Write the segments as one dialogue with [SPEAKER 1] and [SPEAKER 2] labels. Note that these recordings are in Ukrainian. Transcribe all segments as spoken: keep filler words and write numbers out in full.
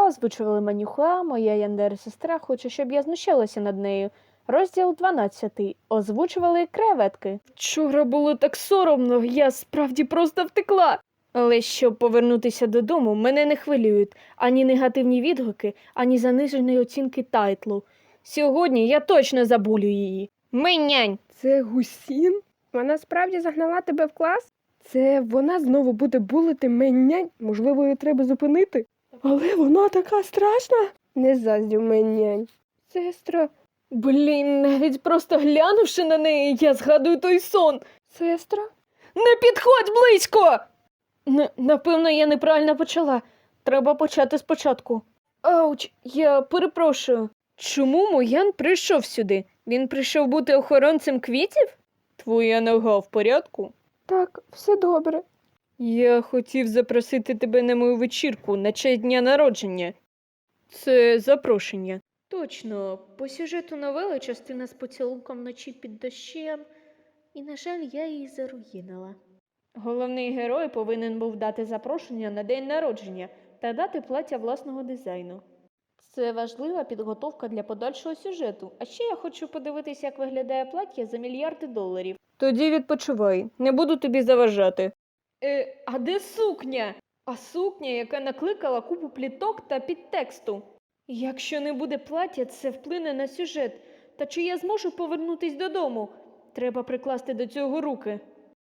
[SPEAKER 1] озвучували Манюха, моя Яндера-сестра хоче, щоб я знущалася над нею. Розділ дванадцятий. Озвучували креветки. Вчора було так соромно, я справді просто втекла. Але щоб повернутися додому, мене не хвилюють ані негативні відгуки, ані занижені оцінки тайтлу. Сьогодні я точно забулю її. Минянь!
[SPEAKER 2] Це Гусін? Вона справді загнала тебе в клас? Це вона знову буде булити меннянь? Можливо, її треба зупинити? Але вона така страшна. Не заздрю меннянь. Сестра.
[SPEAKER 1] Блін, навіть просто глянувши на неї, я згадую той сон.
[SPEAKER 2] Сестра?
[SPEAKER 1] Не підходь близько! Н- напевно, я неправильно почала. Треба почати спочатку. Ауч, я перепрошую. Чому Моян прийшов сюди? Він прийшов бути охоронцем квітів? Твоя нога в порядку?
[SPEAKER 2] Так, все добре.
[SPEAKER 1] Я хотів запросити тебе на мою вечірку на честь дня народження. Це запрошення. Точно, по сюжету новели частина з поцілунком вночі під дощем, і, на жаль, я її заруїнила. Головний герой повинен був дати запрошення на день народження та дати плаття власного дизайну. Це важлива підготовка для подальшого сюжету, а ще я хочу подивитися, як виглядає плаття за мільярди доларів. Тоді відпочивай, не буду тобі заважати. Е, а де сукня? А сукня, яка накликала купу пліток та підтексту. Якщо не буде плаття, це вплине на сюжет. Та чи я зможу повернутись додому? Треба прикласти до цього руки.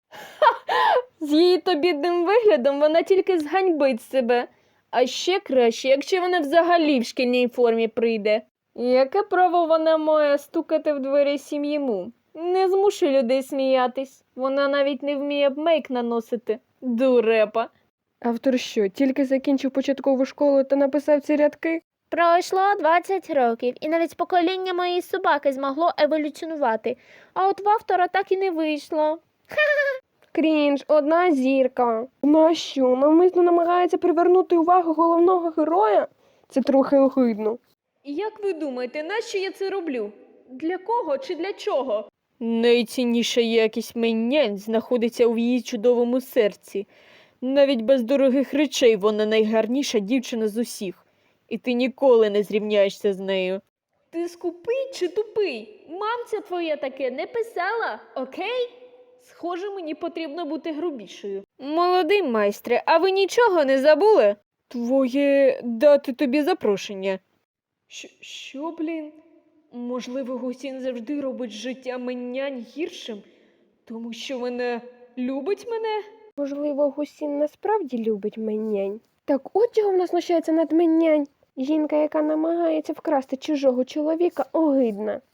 [SPEAKER 1] З її то бідним виглядом вона тільки зганьбить себе. А ще краще, якщо вона взагалі в шкільній формі прийде. Яке право вона має стукати в двері сім'ї Му? Не змушуй людей сміятись. Вона навіть не вміє мейк наносити. Дурепа.
[SPEAKER 2] Автор що, тільки закінчив початкову школу та написав ці рядки?
[SPEAKER 3] Пройшло двадцять років, і навіть покоління моєї собаки змогло еволюціонувати, а от в автора так і не вийшло.
[SPEAKER 2] Крінж, одна зірка. Вона що, навмисно намагається привернути увагу головного героя? Це трохи огидно.
[SPEAKER 1] Як ви думаєте, нащо я це роблю? Для кого чи для чого? Найцінніша якість меннянь знаходиться у її чудовому серці. Навіть без дорогих речей вона найгарніша дівчина з усіх. І ти ніколи не зрівняєшся з нею. Ти скупий чи тупий? Мамця твоя таке не писала, окей? Схоже, мені потрібно бути грубішою. Молодий майстре, а ви нічого не забули? Твоє дати тобі запрошення. Що, що, блін? Можливо, Гусін завжди робить життя меннянь гіршим, тому що вона любить мене?
[SPEAKER 2] Можливо, Гусін насправді любить меннянь. Так от чого вона знущається над меннянь. Жінка, яка намагається вкрасти чужого чоловіка, огидна.